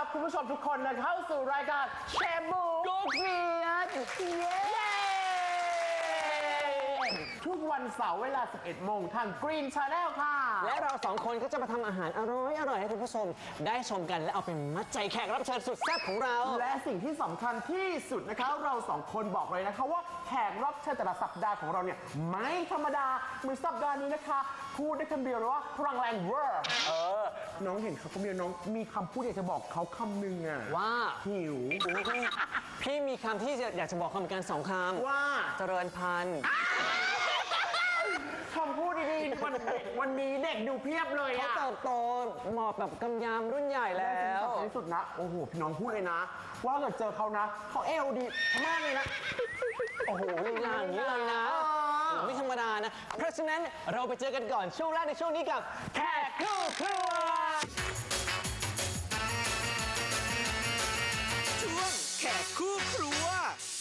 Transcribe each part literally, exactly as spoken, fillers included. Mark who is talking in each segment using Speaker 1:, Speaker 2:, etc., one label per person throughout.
Speaker 1: คุณผู้ชมทุกคนนะเข้าสู่รายการเชฟบูกูเกียรติเย้ทุกวันเสาร์เวลา สิบเอ็ด โมงทาง Green Channel ค่ะ
Speaker 2: และเราสองคนก็จะมาทำอาหารอร่อยอร่อยให้คุณผู้ชมได้ชมกันและเอาเป็นมัดใจแขกรับเชิญสุดแซ่บของเรา
Speaker 1: และสิ่งที่สำคัญที่สุดนะคะเราสองคนบอกเลยนะคะว่าแขกรับเชิญแต่ละสัปดาห์ของเราเนี่ยไม่ธรรมดาเหมือนสัปดาห์นี้นะคะพูดได้คำเดียวเลยว่าพลังแรงเวอร์เออน้องเห็นเขาคนเดียวน้องมีคำพูดอยากจะบอกเขาคำหนึ่งอะ
Speaker 2: ว่า
Speaker 1: หิว
Speaker 2: พี่มีคำที่อยากจะบอกเขาเหมือนกันสองคำ
Speaker 1: ว่า
Speaker 2: เจริญพันธุ์
Speaker 1: คำพูดดีๆวันวันนี้เด็กดูเพียบเลย
Speaker 2: เขา
Speaker 1: อะ
Speaker 2: เติบโตเหมาะแบบกำยำรุ่นใหญ่แล้ว
Speaker 1: ในที่สุดนะโอ้โหพี่น้องพูดเลยนะ ว่าเกิดเจอเขานะเขาเอวดีมากเลยนะ
Speaker 2: โอ้โหลีลาอย่างนี้เลยนะไม่ธรรมดานะ เพราะฉะนั้นเราไปเจอกันก่อนช่วงแรกในช่วงนี้กับแขกคู่ครัว
Speaker 3: ช่วงแขกคู่ครัว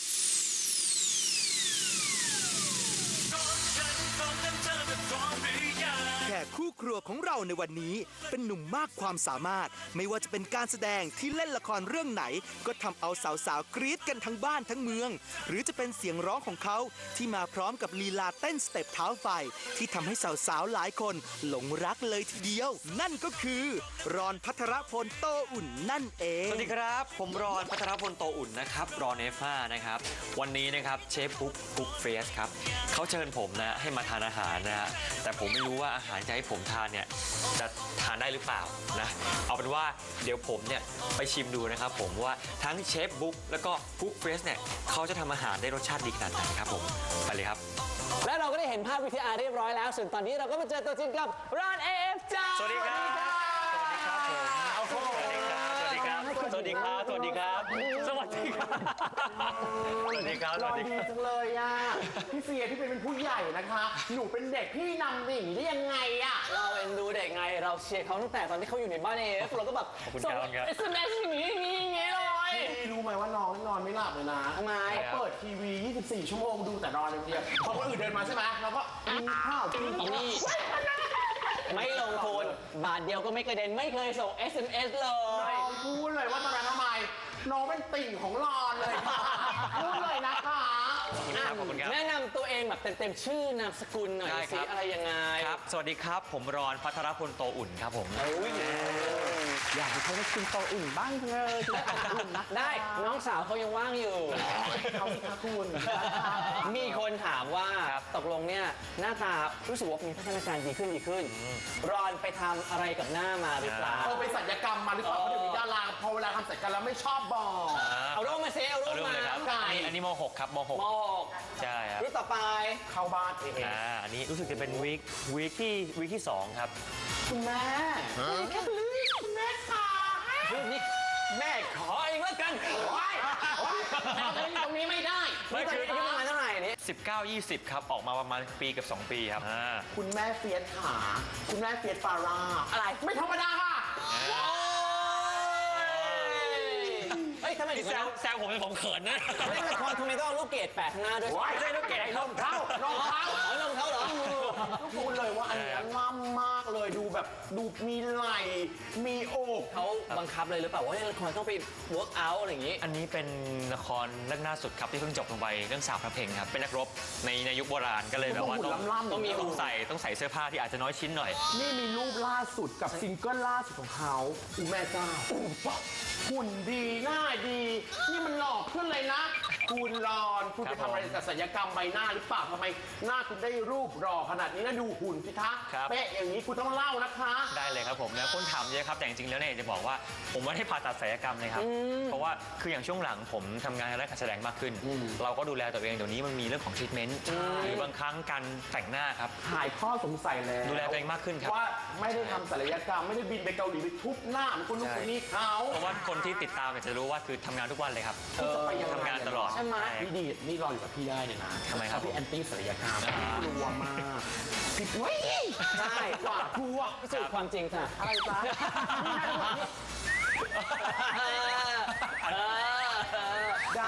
Speaker 3: แขกคู่ครัวของเราในวันนี้เป็นหนุ่มมากความสามารถไม่ว่าจะเป็นการแสดงที่เล่นละครเรื่องไหนก็ทำเอาสาวๆกรี๊ดกันทั้งบ้านทั้งเมือง หรือจะเป็นเสียงร้องของเขาที่มาพร้อมกับลีลาเต้นสเต็ปเท้าไฟที่ทำให้สาวๆหลายคนหลงรักเลยทีเดียว นั่นก็คือรอนภัทรพลโตอุ่นนั่นเอง
Speaker 4: สวัสดีครับ ผมรอนพัทรพลโตอุ่นนะครับรอนเอฟห้านะครับ วันนี้นะครับเชฟปุ๊กปุ๊กเฟสครับเขาเชิญผมนะให้มาทานอาหารนะฮะแต่ผมไม่รู้ว่าอาหารจะให้ผมทานเนี่ยจะทานได้หรือเปล่านะเอาเป็นว่าเดี๋ยวผมเนี่ยไปชิมดูนะครับผมว่าทั้งเชฟบุ๊กแล้วก็ปุ๊กเฟสเนี่ยเขาจะทำอาหารได้รสชาติดีขนาดไหนครับผมไปเลยครับ
Speaker 2: และเราก็ได้เห็นภาพวิทีอาร์เรียบร้อยแล้วส่วนตอนนี้เราก็มาเจอตัวจริงกับรอน เอ เอฟ จ้า
Speaker 4: สวัสดีครับ สวัสดีครับผมสวัสดีครับ สวัสดีครับ สวัสดีครับ สวัสดีครับ สวัสดีครับ สวัสดีครับ ส
Speaker 1: ร
Speaker 4: วั
Speaker 1: อ
Speaker 4: สดี
Speaker 1: ดี
Speaker 4: ครับ
Speaker 1: จังเลยอะพี่เฟียที่เป็นผู้ใหญ่นะคะ หนูเป็นเด็กพี่นำดิ่งได้ยังไงอะ
Speaker 2: เราเอ็นดูเด็กไงเราเชียร์เขาตั้งแต่ตอนที่เขาอยู่ในบ้านเอฟเราก็แบบ
Speaker 4: ขอบคุณ
Speaker 2: ส่ง
Speaker 4: ครับ
Speaker 2: เอสเอ็มเอสอย่างนี้อย่างนี้อย่างนี้เลย
Speaker 1: พี่รู้ไหมว่าน้องนอนไม่หลับเลยนะ
Speaker 2: ทำไม
Speaker 1: เขาเปิดทีวี ยี่สิบสี่ ชั่วโมงดูแต่นอนอย่างเดียวพอคนอื่นเดินมาใช่ไหมเราก็กินข้าวกิน
Speaker 2: อีนี่ ไม่ลงทุนบาทเดียวก็ไม่กระเด็นไม่เคยส่ง เอส เอ็ม เอส เลย
Speaker 1: น้องพูดเลยว่าทำไมทำไมน้องเป็นติ่งของรอนเลยค่ะพูดเลยนะคะ
Speaker 4: ขอบคุณครับ ขอบคุณครับ
Speaker 2: แนะนำตัวเองแบบเต็มๆชื่อนามสกุลหน่อย
Speaker 4: ได้ค
Speaker 2: สิ
Speaker 4: รับ
Speaker 2: อะไรยังไง
Speaker 4: ครับ สวัสดีครับ ผมรอนพัทรพลโตอุ่นครับผม
Speaker 2: โอ้ย
Speaker 1: อยากจะให้กินโตอื่นบ้างเถอะกินโตอื่นนะ
Speaker 2: ได้น้องสาวเขายังว่างอยู่
Speaker 1: เขาสิคะคุณ
Speaker 2: มีคนถามว่า
Speaker 4: ครับ
Speaker 2: ตกลงเนี่ยหน้าตารู้สึกว่ามีพัฒนาการดีขึ้นดีขึ้น รอนไปทำอะไรกับหน้ามาหรือเปล่า
Speaker 1: เขาไปสัญญกรรมมาหรือเปล่าเพราะเดี๋ยวนี้ดาราพอเวลาทำศัลยกรรมแล้วไม่ชอบบอก
Speaker 2: เอารูปมาเซเอารู
Speaker 4: เอา
Speaker 2: ป
Speaker 4: เรื่อง
Speaker 2: มา
Speaker 4: เลยครับ
Speaker 1: ไก่
Speaker 4: อันนี้อันนี้ม .หก ครับม .หก
Speaker 2: มหก
Speaker 4: ใช่ครับ
Speaker 2: รูปต่อไป
Speaker 1: เข้าบ้านเอง
Speaker 4: อ่า อันนี้รู้สึกจะเป็นวีควีคที่วีคที่สองครับ
Speaker 1: คุณแม่แค่ลืมคุณแม่ค่ะ
Speaker 2: รูปนี้แม่ขอเองแล้วกัน
Speaker 1: โอ๊ยโอ๊ยเอาตรงนี้ตรงนี้ไม่ได้
Speaker 2: ไม่เคยอายุประมาณเท่าไหร่นี่
Speaker 4: สิบเก้า ยี่สิบ ครับ ออกมาประมาณปีกับสองปีครับอ่า
Speaker 1: คุณแม่เฟียสขาคุณแม่เฟียสฟาร่าอะไรไม่ธรรมดาค่ะ
Speaker 2: เฮ้ยทำไมถึง
Speaker 4: แซ
Speaker 2: นั้
Speaker 4: วน แซวผมเป็นผมเขินนะ
Speaker 2: เล่นละครทำไมต้องเอาลูกเกดแปะข้างหน้าด้วย
Speaker 1: ว้าย
Speaker 4: ไม่ใช่ลูกเกดไอ้นม
Speaker 1: เข้าน้องเข้า
Speaker 2: เอาลงเขาเหรอ
Speaker 1: ก็พูดเลยว่าอันนี้ง่ำมากเลยดูแบบดูมีไหล่มีอก
Speaker 2: เขาบังคับเลยหรือเปล่าว่าเล่นละครต้องไป work out อะไรอย่างนี้
Speaker 4: อันนี้เป็นละครเรื่องล่าสุดครับที่เพิ่งจบลงไปเรื่องสาวพระเพลงครับเป็นนักรบในในยุคโบราณก็เลยแบบว่า
Speaker 1: หุ่น
Speaker 4: ต้อง
Speaker 1: ล่ำๆ
Speaker 4: ต้องมีต้องใส่ต้องใส่เสื้อผ้าที่อาจจะน้อยชิ้นหน่อย
Speaker 1: นี่มีรูปล่าสุดกับซิงเกิลล่าสุดของเขาอูแม่เจ้าอูปะหุ่นดีหน้าดี นี่มันหลอกขึ้นเลยนะ คุณรอนคุณ
Speaker 4: ครั
Speaker 1: ไป
Speaker 4: บ
Speaker 1: ทำอะไรกับศัลยกรรมใบหน้าหรือเปล่าทำไมหน้าคุณได้รูปหล่อขนาดนี้แล้วดูหุ่นสิคะ
Speaker 4: ครับ
Speaker 1: เป๊ะอย่างนี้คุณต้องเล่านะคะ
Speaker 4: ได้เลยครับผมแล้วคนถามเยอะครับแต่จริงๆแล้วเนี่ยจะบอกว่าผมไม่ได้ผ่าตัดศัลยกรรมเลยครับเพราะว่าคืออย่างช่วงหลังผมทำงานด้านการแสดงมากขึ้น เราก็ดูแลตัวเองเดี๋ยวนี้มันมีเรื่องของทรีทเมนต์หรือบางครั้งการแต่งหน้าครับ
Speaker 1: หายข้อสงสัยแล้ว
Speaker 4: ดูแลตัวเองมากขึ้นครับ
Speaker 1: ว่าไม่ได้ทำศัลยกรรมไม่ได้บินไปเกาหลีไปทุบหน้าเหมือนคนนู้นคนนี้เขา
Speaker 4: เพราะว่าคนที่ติดตามเนี่ยจะรู้ว่าคือทำงานทุกวันเลยครับ
Speaker 1: คุณจะไปยังไง
Speaker 4: ทำงานตลอด
Speaker 1: ใช่ไหม
Speaker 4: ใช่
Speaker 1: พี่ดีนี่รออยู่กับพี่ได้เนี่ยนะ
Speaker 4: ทำไมครับ
Speaker 1: พี่แอนตี้ศัลยกรรมกลัวมากพี่เว้ย
Speaker 2: ใช่
Speaker 1: กว่ากลัว
Speaker 2: พิสูจน์ความจริงค่ะ
Speaker 1: อะไรจ๊ะนี่นะ
Speaker 2: เออเออ
Speaker 1: ดา
Speaker 2: อะไร
Speaker 1: รา
Speaker 2: อ่ะ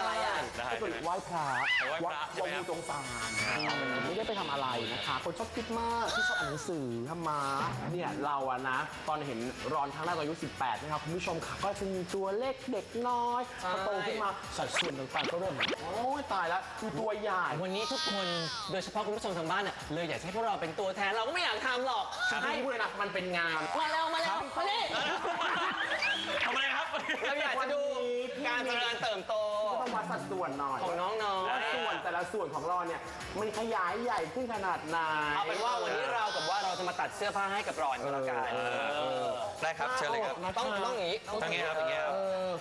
Speaker 4: ได้
Speaker 1: ก็เป็นไหว้พระ
Speaker 4: ไหว้พระใช่ไหมครับ
Speaker 1: วัดงูจงสารไม่ได้ไปทำอะไรนะคะ คนชอบคิดมากที่ชอบอ่านหนังสือทำมาเนี่ยเราอะนะ ตอนเห็นรอนครั้งแรกตอนอายุสิบแปดนะครับคุณผู้ชมค่ะก็จะมีตัวเล็กเด็กน้อยพอโตขึ้นมาสัดส่วนต่างๆก็เริ่มโอ้ยตายแล้วมีตัวใหญ่
Speaker 2: วันนี้ทุกคนโดยเฉพาะคุณผู้ชมทางบ้านน่ะเลยอยากให้พวกเราเป็นตัวแทนเราก็ไม่อยากทำหรอก
Speaker 1: ใช่พูดเลยนะมันเป็นงาน
Speaker 2: มาแล้วมาแล้วมาดิ
Speaker 4: ทำอะไรครับ
Speaker 2: เราอยากจะดูการเจริญเติบโต
Speaker 1: ต้องวัดสัดส่วนหน่อย
Speaker 2: ของน้อง
Speaker 1: ว่าส่วนแต่ละส่วนของเราเนี่ยมันขยายใหญ่ขึ้นขนาดไหน
Speaker 2: ๆเอาเป็นว่าวันนี้เรากับว่าเราจะมาตัดเสื้อผ้าให้กับรอนก็แล้วกัน
Speaker 4: ได้ครับเชิญเลยครับ
Speaker 2: ต้องต้องอย่างนี้
Speaker 4: ต้องอย่างนี้ครับอย่างนี้ครับ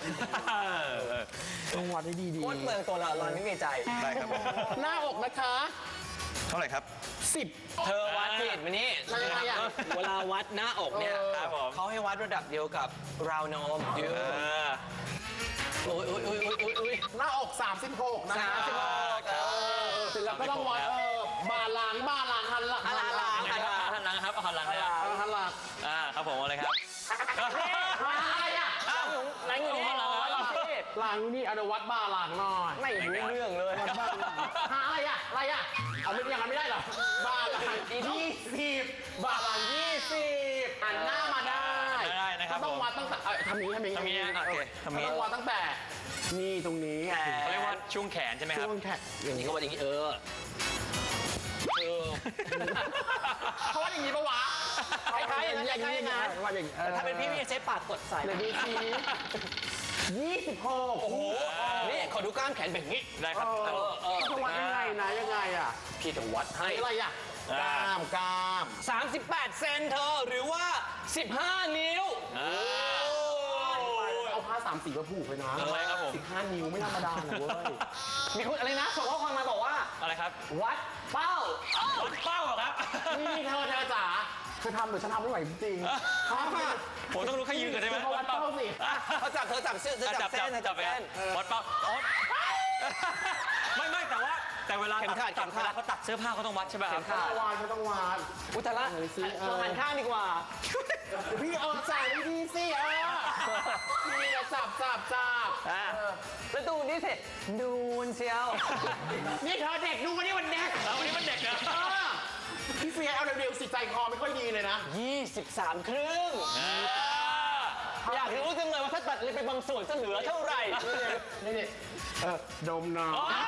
Speaker 1: ต้องวัดให้ดี
Speaker 2: โคตรเมืองตัวเรารอนไม่มีใจ
Speaker 4: ได้ครับผม
Speaker 1: ๆหน้าอกนะคะ
Speaker 4: เท่าไหร่ครับ
Speaker 1: สิบ
Speaker 2: เธอวัดผิดมานี่
Speaker 1: แล้วยังไงอ่ะ
Speaker 2: เวลาวัดหน้าอกเนี่ย
Speaker 4: ครับผม
Speaker 2: เขาให้วัดระดับเดียวกับราวนมเย
Speaker 4: เอ
Speaker 2: อะ
Speaker 4: อ
Speaker 2: โอ้ยโอ้ยโอ้ยโอ้ยโอ้ยโอ้ย
Speaker 1: หน้าอกสามสิบหกนะ
Speaker 2: สามสิบหก
Speaker 1: เออเสร็จแล้วก็ต้องวัดเออบาลางก์บาลางก์หันหลัง
Speaker 2: หันหลัง
Speaker 4: หันหลังหันหลังครับเอาหันหลังเลย
Speaker 1: เออหันหลัง
Speaker 4: อ่าครับผมเอาเลยครับ
Speaker 1: อะไรอ่ะ
Speaker 2: อ้าวไหนอยู่นี่
Speaker 4: หันหลังเหรอ
Speaker 1: หลังนี่เอาเดี๋ยววัดบาลางก์หน่อย
Speaker 2: ไม่รู้เรื่องเลย
Speaker 1: วัดบาลางก์หาอะไรอ่ะอะไรอ่ะเอาไม่อย่างนั้นไม่ได้เหรอบาลางก์ยี่สิบบาลางก์ยี่สิบหันหน้ามาได้
Speaker 4: ได้นะครับ
Speaker 1: ก็ต้องวัดตั้งแต่เอ้ยทำนี้ทำนี้
Speaker 4: ทำนี้อ่ะโอเคทำนี้
Speaker 1: ต้องวัดตั้งแต่นี่ตรงนี้
Speaker 4: เขาเรียกว่าช่วงแขนใช่ไหมครับ
Speaker 1: ช่วงแขน
Speaker 2: อย่างนี้ก็ว่าอย่างนี้เออเออ
Speaker 1: เขาวัดอย่างนี้ปะวะ
Speaker 2: คล้ายๆอย่างนั้นคล้ายๆอย่างนั้น
Speaker 1: วัดอย่างนี้
Speaker 2: แต่ถ้าเป็นพี่พี่จะใช้ปากกดใส่
Speaker 1: เดี๋ยวดูสิยี่สิบหก
Speaker 2: โอ้โหนี่ขอดูกล้ามแขนแบบนี้
Speaker 4: ได้ครับ
Speaker 1: เออเออจะวัดยังไงนะยังไงอ่ะ
Speaker 2: พี่จะวัดให้
Speaker 1: อะไรอ่ะกล้ามกล้าม
Speaker 2: สามสิบแปดเซนเธอหรือว่าสิบห้านิ้ว
Speaker 4: อ่า
Speaker 1: เอาผ้าสามสีมาผูกไปนะ
Speaker 4: ทำไมครับผม
Speaker 1: สิบห้านิ้วไม่ธรรมดาเลยเว้ย
Speaker 2: มีคนอะไรนะส่งข้อความมาบอกว่า
Speaker 4: อะไรครับ
Speaker 2: วัดเป้า
Speaker 4: วัดเป้าเหรอครับ
Speaker 1: นี่เธอเธอจ๋าเธอทำหรือฉันทำไม่ไหวจริงๆเขาค่ะ
Speaker 4: ผมต้องรู้แค่ยืนกันใช่ไหม
Speaker 1: เธอวัดเป้าสิ
Speaker 2: เขาจับเธอจับเสื้อเธอ
Speaker 4: อ่ะ
Speaker 2: จั
Speaker 4: จั
Speaker 2: บบ เส้
Speaker 4: จับ
Speaker 2: นเธอ
Speaker 4: จั
Speaker 2: จั
Speaker 4: บบ ไป
Speaker 2: เส้น
Speaker 4: วัดเป้าอ๋อไม่ไม่แต่ว่าแต่เวลา
Speaker 2: เข็มขัด
Speaker 4: ตัด
Speaker 2: เข็มขัด
Speaker 4: เวลาเขาตัดเสื้อผ้าเขาต้องวัดใช่ไหมครับ
Speaker 1: เขาต้องวานเขาต้องวาน
Speaker 2: อุยแตละ
Speaker 1: เออสิเออ
Speaker 2: เราหันข้างดีกว่า
Speaker 1: พี่เอาใส่ดีๆสิเออพี่อะจับจับจับ
Speaker 2: อ่ะแล้วดูนี่สิดูนเชียว
Speaker 1: นี่เธอเด็กดูวันนี้วันเด็ก
Speaker 4: แล้ววันนี้มันเด็กนะ
Speaker 1: เออพี่เฟียเอาเร็วๆสิใจคอไม่ค่อยดีเลยนะ
Speaker 2: ยี่สิบสามครึ่ง
Speaker 4: อ่า
Speaker 2: อยากรู้จังเลยว่าถ้าตัดเลยไปบางส่วนจะเหลือเท่าไหร่
Speaker 1: นี่นี่เออดมหน่อย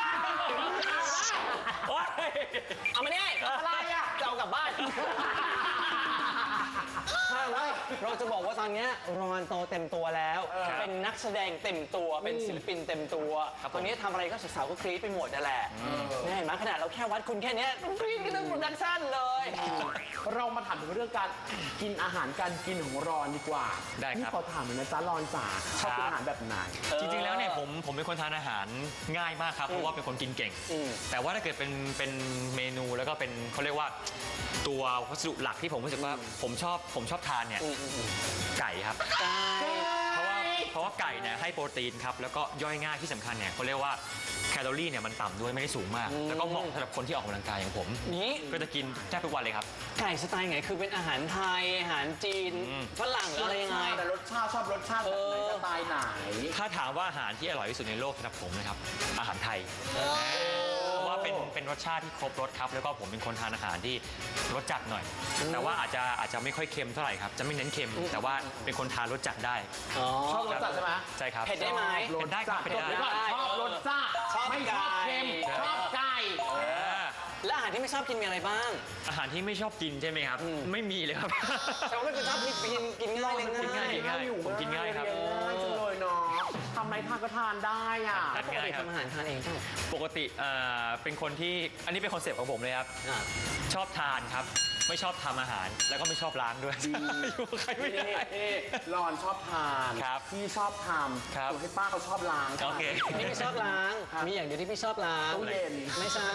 Speaker 4: โอ๊ย
Speaker 2: เอามานี่อะไรอ่ะจะเอากลับบ้านถ้าว่าเราจะบอกว่าตอนเนี้ยรอนโตเต็มตัวแล้ว เป็นนักแสดงเต็มตัว เป็นศิลปินเต็มตัว ตอนนี้ทำอะไรก็สาวๆก็กรี๊ดไปหมดนั่นแหละแน่เห็นไหมขนาดเราแค่วัดคุณแค่เนี้ยกรี๊ดกันทั้งโปรดักชั่นเลย
Speaker 1: เรามาถามถึงเรื่องการกินอาหารการกินของรอนดีกว่า
Speaker 4: ได้ครับ
Speaker 1: นี่ขอถามหน่อยนะจ๊ะรอนจ๋าชอบกินอาหารแบบไหน
Speaker 4: จริงๆ แล้วเนี่ยผมผมเป็นคนทานอาหารง่ายมากครับ เพราะว่าเป็นคนกินเก่ง
Speaker 2: อืม
Speaker 4: แต่ว่าถ้าเกิดเป็นเป็นเมนูแล้วก็เป็นเขาเรียกว่าตัววัสดุหลักที่ผมรู้สึกว่าผมชอบผมชอบทานเนี่ยไก่ครับ
Speaker 2: ใช่
Speaker 4: เพราะว่าเพราะว่าไก่เนี่ยให้โปรตีนครับแล้วก็ย่อยง่ายที่สำคัญเนี่ยเขาเรียกว่าแคลอรี่เนี่ยมันต่ำด้วยไม่ได้สูงมาก แล้วก็เหมาะสำหรับคนที่ออกกำลังกายอย่างผม
Speaker 2: นี้
Speaker 4: ก็จะกินแทบทุกวันเลยครับ
Speaker 2: ไก่สไตล์ไหนคือเป็นอาหารไทย อาหารจีน
Speaker 4: อืม
Speaker 2: ฝรั่งหรืออะไรยังไง
Speaker 1: แต่รสชาติชอบรสชาติแบบไหน
Speaker 2: เออ
Speaker 1: สไตล์ไหน
Speaker 4: ถ้าถามว่าอาหารที่อร่อยที่สุดในโลกสำหรับผมนะครับอาหารไทยเพราะว่าเป็นเป็นรสชาติที่ครบรสครับแล้วก็ผมเป็นคนทานอาหารที่รสจัดหน่อย แต่ว่าอาจจะอาจจะไม่ค่อยเค็มเท่าไหร่ครับจะไม่เน้นเค็ม แต่ว่าเป็นคนทานรสจัดได้
Speaker 2: อ๋อ
Speaker 1: ชอบรสจัดใช่ไหม
Speaker 4: ใช่ครับ
Speaker 2: เผ็ดได้ไหม
Speaker 1: รส
Speaker 4: ได้ค
Speaker 1: จั
Speaker 4: รับ
Speaker 1: ด
Speaker 4: เผ็ดได้
Speaker 1: เดี๋ยวก่อนชอบรสจัด
Speaker 2: ชอบ
Speaker 1: ไม่ชอบเค็ม
Speaker 2: ไก่
Speaker 1: ชอบไก่
Speaker 4: อ่า
Speaker 2: และอาหารที่ไม่ชอบกินมีอะไรบ้าง
Speaker 4: อาหารที่ไม่ชอบกินใช่ไหมครับ ไม่มีเลยครับ
Speaker 2: แต่ว่าไม่เป็นชอบกินกินกินง่ายเลย
Speaker 4: กินง่าย
Speaker 2: ง่าย
Speaker 4: ง่ายผมกินง่ายครับ
Speaker 1: เรีนง่ายจังเลยเนาะทำอะไรทานก็ทานได้อ่ะ
Speaker 4: ทาน
Speaker 2: ปกติทำอาหารทานเองใช่ไหม
Speaker 4: ปกติเอ่อเป็นคนที่อันนี้เป็นคอนเซปต์ของผมเลยครับ
Speaker 2: อ่า
Speaker 4: ชอบทานครับ ไม่ชอบทำอาหารแล้วก็ไม่ชอบล้างด้วยอยู่กับใครไม่ได้
Speaker 1: รอนชอบทาน
Speaker 4: ครับ
Speaker 1: พี่ชอบท
Speaker 4: ครับ
Speaker 1: ำส่วนให้ป้าเขาชอบล้าง
Speaker 4: โอเค
Speaker 2: พี่ไม่ชอบล้าง มีอย่างเดียวที่พี่ชอบล้าง
Speaker 1: ตู้เย็น
Speaker 2: ไม่ใช่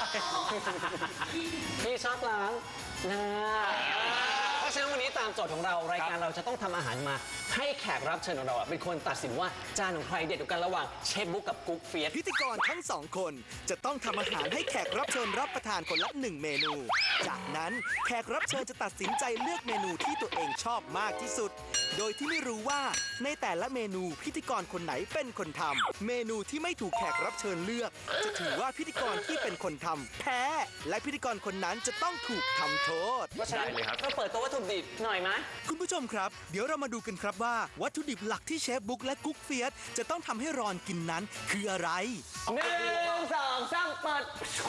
Speaker 2: พี่ชอบล้างนะเพราะฉะนั้นวันนี้ตามโจทย์ของเรารายการเราจะต้องทำอาหารมา ให้แขกรับเชิญของเราอะเป็นคนตัดสินว่าจานของใครเด็ดกว่ากันระหว่างเชฟบุ๊กกับกุ๊กเฟียส
Speaker 3: พิธีกรทั้งสองคนจะต้องทำอาหารให้แขกรับเชิญรับประทานคนละหนึ่งเมนู จากนั้นแขกรับเชิญจะตัดสินใจเลือกเมนูที่ตัวเองชอบมากที่สุดโดยที่ไม่รู้ว่าในแต่ละเมนูพิธีกรคนไหนเป็นคนทำเมนูที่ไม่ถูกแขกรับเชิญเลือก จะถือว่าพิธีกรที่เป็นคนทำแพ้ และพิธีกรคนนั้นจะต้องถูกทำโทษ
Speaker 4: ได้เลยครับ
Speaker 2: ก็เปิดตัววัตถุดิบหน่อยไหม
Speaker 3: คุณผู้ชมครับ เดี๋ยวเรามาดูกันครับว่าวัตถุดิบหลักที่เชฟบุ๊กและกุ๊กเฟียสจะต้องทำให้รอนกินนั้นคืออะไร
Speaker 2: หนึ่งสองสามเปิด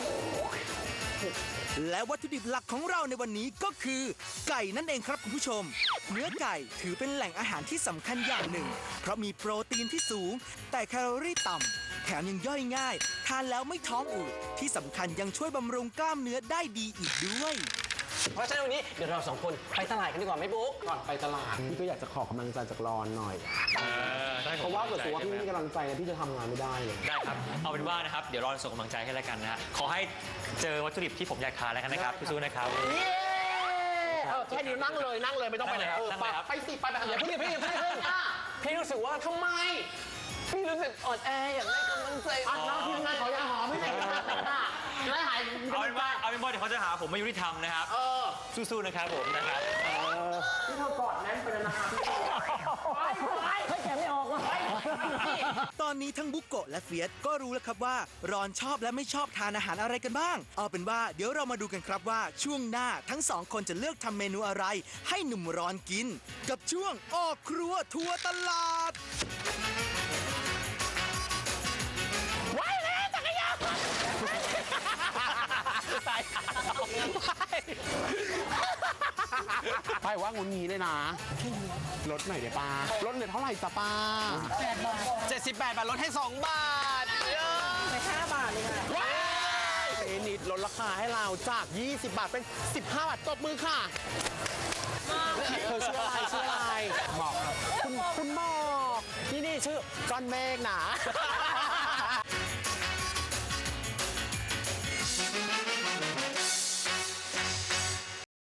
Speaker 3: และวัตถุดิบหลักของเราในวันนี้ก็คือ ไก่นั่นเองครับคุณผู้ชม เนื้อไก่ถือเป็นแหล่งอาหารที่สำคัญอย่างหนึ่ง เพราะมีโปรตีนที่สูง แต่แคลอรี่ต่ำแถมยังย่อยง่าย ทานแล้วไม่ท้องอืดที่สำคัญยังช่วยบำรุงกล้ามเนื้อได้ดีอีกด้วย
Speaker 2: เพราะฉะนั้นวันนี้เดี๋ยวเราสองคนไปตลาดกันดีกว่าไหมบุ๊ก
Speaker 1: ก่อนไปตลาดพี่ก็อยากจะขอกำลังใจจากรอนหน่อย เพราะว่าเกิดตัวว่าพี่ไม่มีกำลังใจนะพี่จะทำงานไม่ได้เลย
Speaker 4: ได้ครับ เอาเป็นว่านะครับ เดี๋ยวรอส่งกำลังใจให้แล้วกันนะฮะขอให้เจอวัตถุดิบที่ผมอยากทานแล้วกันนะครับสู้ๆนะครับ
Speaker 1: เออแค่นี้นั่งเลยนั่งเลยไม่ต้องไปไหน
Speaker 4: นั่งเลยครับ
Speaker 1: ไปสิไปไป
Speaker 2: อย่าเพิ่งอย่าเพิ่งอย่าเพิ่งอย่าเพิ่งพี่รู้สึกว่าทำไม พี่รู้สึกอ่อนแออยากได้กำลังใจ
Speaker 1: อ่ะน้องทีมงานขอยาหอมไม่ไหนกันนะไม่หาย
Speaker 4: เอาเป็นว่าเอาเป็นว่าเดี๋ยวเขาจะหาผมไม่ยุติธรรมนะครับ
Speaker 1: เออ
Speaker 4: สู้ๆนะครับผมนะครับ
Speaker 1: พี่เธอกอดแน่นไปแล้วนะคะพี่ไปไปให้แกไม่ออกวะ
Speaker 3: ตอนนี้ทั้งบุกโกะและเฟียสก็รู้แล้วครับว่า รอนชอบและไม่ชอบทานอาหารอะไรกันบ้าง เอาเป็นว่าเดี๋ยวเรามาดูกันครับว่าช่วงหน้าทั้งสองคนจะเลือกทำเมนูอะไร ให้หนุ่มรอนกิน กับช่วงออกครัวทัวร์ตลาด
Speaker 1: ไว้แล้วจักรยานไปว่างุนงี้เลยนะลดหน่อยเดี๋ยวป้าลดเหลือเท่าไหร่จ้ะป้า
Speaker 2: เจ็ดสิบแปดบาทลดให้สองบาท
Speaker 1: ไปห้าบาทเลยค่ะว้ายเอนิดลดราคาให้เราจาก ยี่สิบบาทเป็น สิบห้าบาทตบมือค่ะเธอชื่ออะไรชื่ออะไรบอกครับคุณคุณบอกนี่นี่ชื่อก้อนเมฆนะ